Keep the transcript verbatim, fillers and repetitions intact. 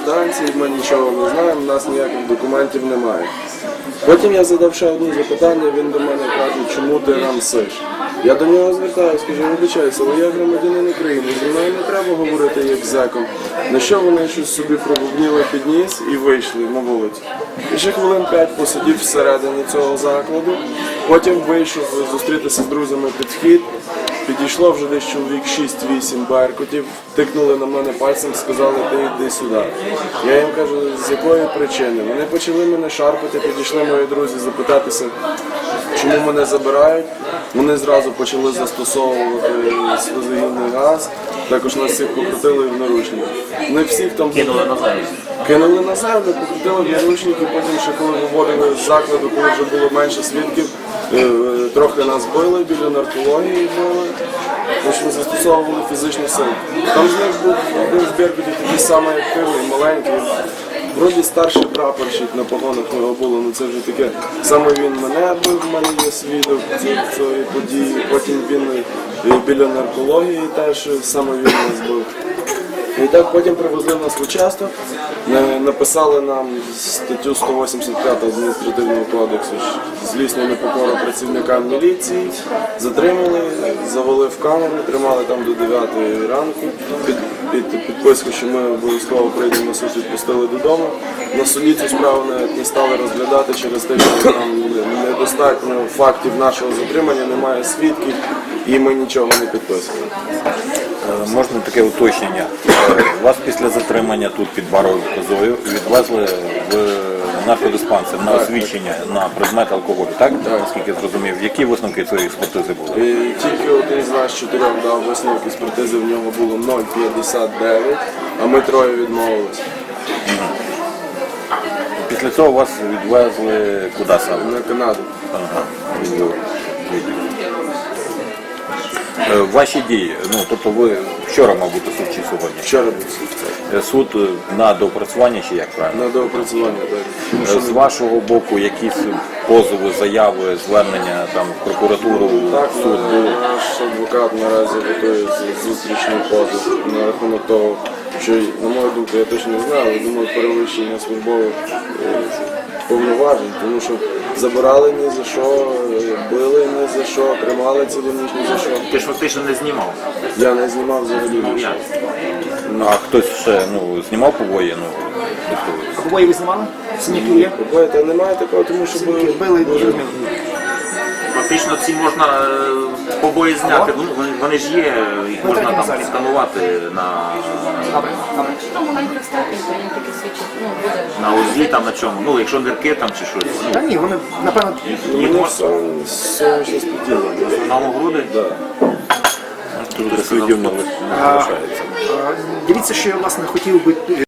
квитанції, ми нічого не знаємо, у нас ніяких документів немає. Потім я задав ще одне запитання, він до мене каже, чому ти нам сиш? Я до нього звертаюся, скажу, вибачаюся, але я громадянин України, зі мною не треба говорити як зеком. На що вони щось собі пробубніли під ніс і вийшли на вулицю. І ще хвилин п'ять посидів всередині цього закладу, потім вийшов зустрітися з друзями під вхід. Підійшло вже десь чоловік шість-вісім беркутів, тикнули на мене пальцем, сказали, ти йди сюди. Я їм кажу, з якої причини. Вони почали мене шарпати, підійшли мої друзі запитатися, чому мене забирають. Вони зразу почали застосовувати сльозогінний газ, також нас всіх покрутили в наручники. Не всіх там Кинули на землю. Кинули на землю, покрутили в наручники, потім ще коли виводили з закладу, коли вже було менше свідків, трохи нас били, біля наркології били, тому що застосовували фізичну силу. Там з них був один з беркутів такий самий активний, маленький. Вроді старший прапорщик на погонах у нього було, але це вже таке. Саме він мене бив, в мене є свідок цієї події, потім він біля наркології теж саме він нас бив. І так потім привезли нас в участок, написали нам статтю сто вісімдесят п'ять адміністративного кодексу злісну непокору працівникам міліції, затримали, завели в камеру, тримали там до дев'ятої ранку, під, під підписку, що ми обов'язково прийдемо на суд, відпустили додому. На суді цю справу не, не стали розглядати через те, що там недостатньо фактів нашого затримання, немає свідків і ми нічого не підписували. Можна таке уточнення. Вас після затримання тут під Баровою козою відвезли в наркодиспансер на освідчення на предмет алкоголю, так? Так. Наскільки зрозумів. Які висновки цієї експертизи були? І тільки один з нас чотирьох дав висновок експертизи, в нього було нуль п'ятдесят дев'ять, а ми троє відмовилися. Після цього вас відвезли куди саме? На Канаду. Ага. Ваші дії, ну тобто ви вчора, мав бути суд чи сьогодні? Вчора був суд. Суд на доопрацювання чи як правильно? На доопрацювання, так. З вашого боку якісь позови, заяви, звернення там в прокуратуру, Так, в суд були? наш адвокат наразі готує зустрічний позов на рахунок того, що, на мою думку, я точно не знаю, але думаю, перевищення службових повноважень, тому що забирали ні за що, били ні за що, тримали цілу ніч ні за що. Ти ж фактично не знімав. Я не знімав взагалі нічого. А хтось ще ну, знімав побої? Ну, тобто, Побої ви знімали? Синяки є? Побої, та немає такого, тому що були Били дуже... Фактично ці можна е, побої зняти, вони, вони- вони ж є, їх можна третьому там залі. сканувати на, Добре, добре. Там маленький статус, він таки свідчить, ну, буде. на узлі, там на чому. Ну, якщо нирки там чи щось. Та ні, вони, напевно, Мені все, все ще сподівано. На груди? тут слідів не а, залишається. а, дивіться, що я, власне, хотів би